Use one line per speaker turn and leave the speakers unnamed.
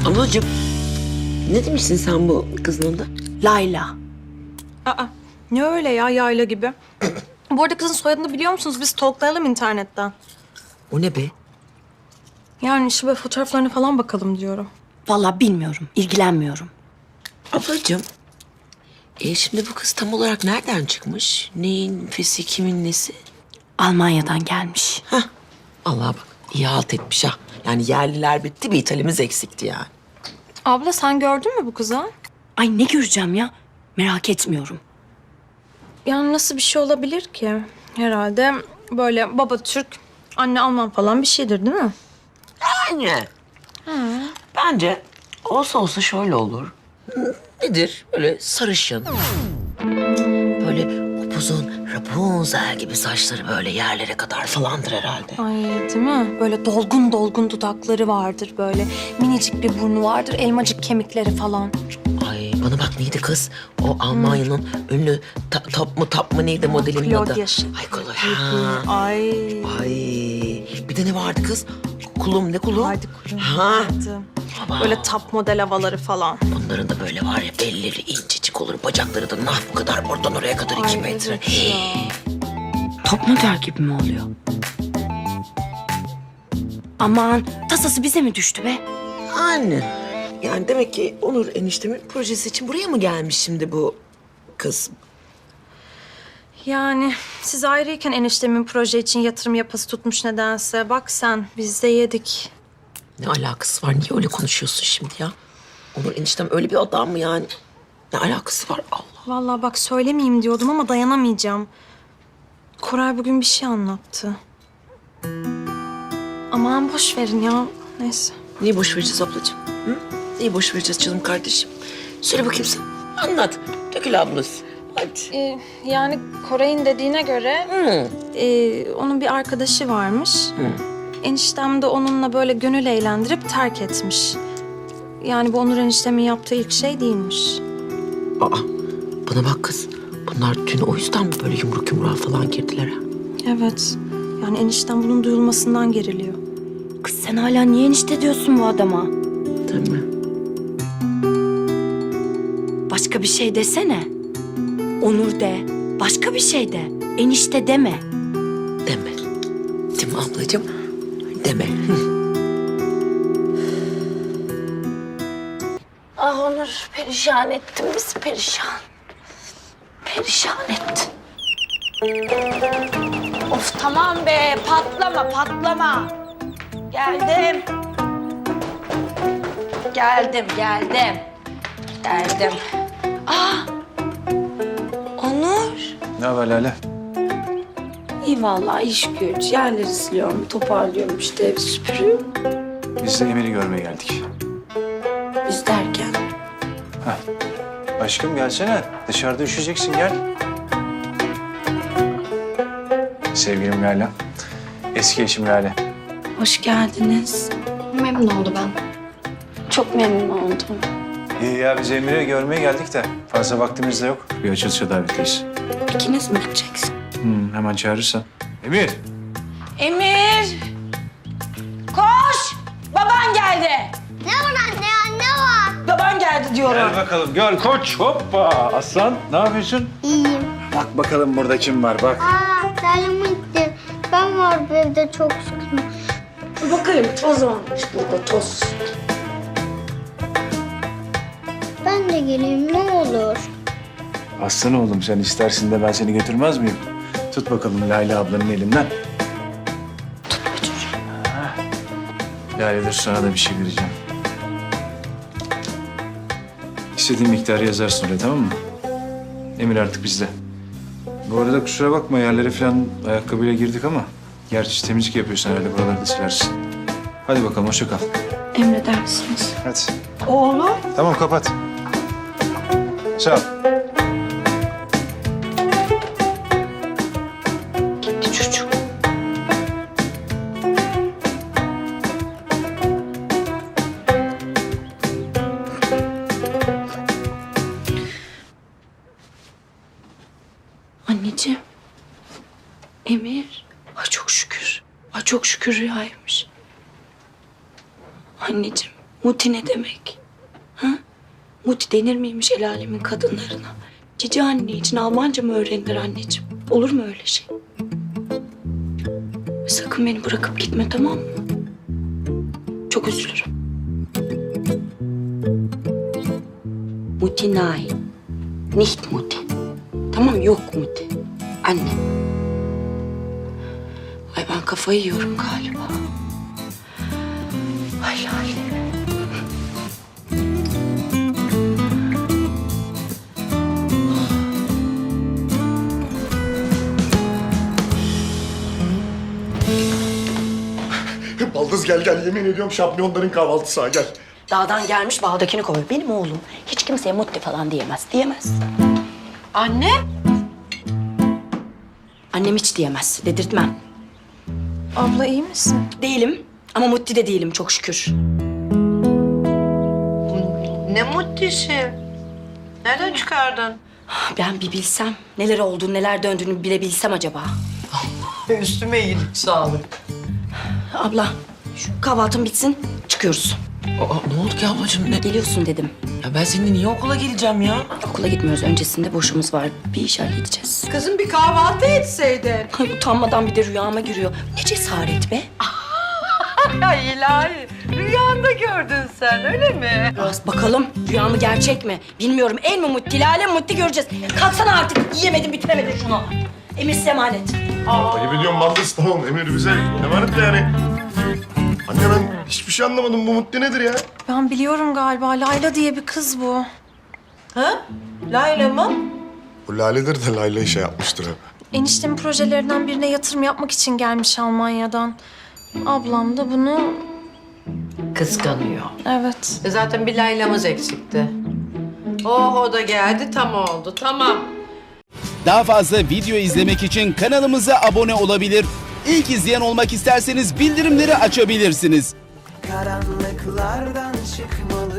Ablacığım, ne demişsin sen bu kızın adı?
Layla.
Aa, ne öyle ya yayla gibi. Bu arada kızın soyadını biliyor musunuz? Biz stalklayalım internetten.
O ne be?
Yani işte böyle fotoğraflarına falan bakalım diyorum.
Vallahi bilmiyorum, ilgilenmiyorum.
Ablacığım, şimdi bu kız tam olarak nereden çıkmış? Neyin fesi, kimin nesi?
Almanya'dan gelmiş.
Allah'a bak, iyi halt etmiş ha. Yani yerliler bitti, bir İtalimiz eksikti yani.
Abla sen gördün mü bu kızı?
Ay ne göreceğim ya? Merak etmiyorum.
Yani nasıl bir şey olabilir ki? Herhalde böyle baba Türk, anne Alman falan bir şeydir değil mi?
Anne. Bence olsa olsa şöyle olur. Nedir? Böyle sarışın. Böyle upuzun Rapunzel gibi saçları böyle yerlere kadar falandır herhalde.
Ay değil mi? Böyle dolgun dolgun dudakları vardır böyle. Minicik bir burnu vardır, elmacık kemikleri falan.
Ay bana bak neydi kız? O Almanya'nın ünlü top mu neydi modelinin adı?
Claudia Schiffer.
Ay Claudia. Ha.
Ay.
Ay bir de ne vardı kız? Kulum ne kulum?
Haydi kurum.
Ha.
Vardı. Böyle top model havaları falan.
Bunların da böyle var ya belleri incecik olur. Bacakları da nah bu kadar oradan oraya kadar 2
Ay,
metre.
evet ya.
Top model gibi mi oluyor? Aman tasası bize mi düştü be?
Anne. Yani demek ki Onur eniştemin projesi için buraya mı gelmiş şimdi bu kız?
Yani siz ayrıyken eniştemin proje için yatırım yapası tutmuş nedense. Bak sen biz de yedik.
Ne alakası var? Niye öyle konuşuyorsun şimdi ya? Onur eniştem öyle bir adam mı yani? Ne alakası var Allah?
Vallahi bak söylemeyeyim diyordum ama dayanamayacağım. Koray bugün bir şey anlattı. Aman boş verin ya. Neyse.
Niye boş vereceğiz ablacığım? Hı? Niye boş vereceğiz canım kardeşim? Söyle bakayım sen. Anlat. Dökül ablası. Hadi.
Yani Koray'ın dediğine göre
Hı.
onun bir arkadaşı varmış. Eniştem de onunla böyle gönül eğlendirip terk etmiş. Yani bu Onur eniştemin yaptığı ilk şey değilmiş.
Aa, bana bak kız. Bunlar dün o yüzden mi böyle yumruk yumruğa falan girdiler ha?
Evet. Yani eniştem bunun duyulmasından geriliyor.
Kız sen hala niye enişte diyorsun bu adama?
Değil mi?
Başka bir şey desene. Onur de, başka bir şey de. Enişte deme.
Deme. Değil mi ablacığım? Deme.
Ah Onur perişan ettin bizi perişan. Perişan ettin.
Of tamam be patlama patlama. Geldim. Geldim.
Onur.
Ne haber Lale?
İyi vallahi iş güç. Yerleri siliyorum, toparlıyorum işte ev süpürüyorum.
Biz de Emir'i görmeye geldik.
Biz derken.
Aşkım gelsene. Dışarıda üşüyeceksin gel. Sevgilim Lale. Eski eşim Lale.
Hoş geldiniz.
Memnun oldu ben.
Çok memnun oldum.
İyi ya biz Emir'i görmeye geldik de fazla vaktimiz de yok. Bir açılışa davetliyiz.
İkiniz mi gideceksiniz?
Hemen çağırırsan. Emir.
Emir. Koş. Baban geldi.
Ne var anne ya ne var?
Baban geldi diyorum.
Gel bakalım gel koç hoppa. Aslan ne yapıyorsun?
İyiyim.
Bak bakalım burada kim var bak.
Terliğimi gitti. Ben var bu evde çok sıkıldım.
Bakayım toz varmış burada toz.
Ben de geleyim ne olur.
Aslan oğlum sen istersin de ben seni götürmez miyim? Tut bakalım Lale ablanın elinden.
Tut götür.
Lale dur sana da bir şey vereceğim. İstediğin miktarı yazarsın oraya tamam mı? Emir artık bizde. Bu arada kusura bakma yerlere falan ayakkabıyla girdik ama... Gerçi temizlik yapıyorsun herhalde buraları da silersin. Hadi bakalım hoşça kal.
Emredersiniz.
Hadi.
Oğlum.
Tamam kapat. Sağ ol.
Gitti çocuk. Anneciğim. Emir. Ay çok şükür. Ay çok şükür rüyaymış. Anneciğim Muti ne demek? Ha? Muti denir miymiş el alemin kadınlarına? Cici anne için Almanca mı öğrenilir anneciğim? Olur mu öyle şey? Sakın beni bırakıp gitme, tamam mı? Çok üzülürüm. Muti nein. Nicht Muti. Tamam, yok Muti. Anne. Ay ben kafayı yiyorum galiba. Ay Lale.
Baldız gel yemin ediyorum şampiyonların kahvaltısı ha gel.
Dağdan gelmiş bağdakini kovuyor. Benim oğlum hiç kimseye Muti falan diyemez. Diyemez.
Anne.
Annem hiç diyemez. Dedirtmem.
Abla iyi misin?
Değilim ama Muti de değilim çok şükür.
Ne mutlisi. Nereden çıkardın?
Ben bir bilsem neler olduğunu, neler döndüğünü bilebilsem acaba.
Üstüme iyilik sağlık.
Abla şu kahvaltın bitsin çıkıyoruz.
Ne oldu ki ablacığım?
Geliyorsun dedim.
Ya ben seninle niye okula geleceğim ya?
Okula gitmiyoruz. Öncesinde boşumuz var. Bir iş halledeceğiz.
Kızım bir kahvaltı etseydin.
Ay utanmadan bir de rüyama giriyor. Ne cesaret be.
Ya ilahi. Rüyanda gördün sen öyle mi?
Biraz bakalım rüya mı gerçek mi? Bilmiyorum. El mi Muti, Lale mi Muti göreceğiz. Kalksana artık. Yiyemedim, bitiremedin şunu. Emir size emanet.
Ayıp ediyorum Baldız tamam Emir bize emanet de yani. Anne ben hiçbir şey anlamadım bu Mutti nedir ya?
Ben biliyorum galiba. Layla diye bir kız bu.
Ha? Layla mı?
Bu Lale'dir de Layla'yı şey yapmıştır hep.
Eniştemin projelerinden birine yatırım yapmak için gelmiş Almanya'dan. Ablam da bunu...
Kıskanıyor.
Evet.
Zaten bir Layla'mız eksikti. Oh o da geldi tam oldu tamam.
Daha fazla video izlemek için kanalımıza abone olabilir. İlk izleyen olmak isterseniz bildirimleri açabilirsiniz.
Karanlıklardan çıkmalı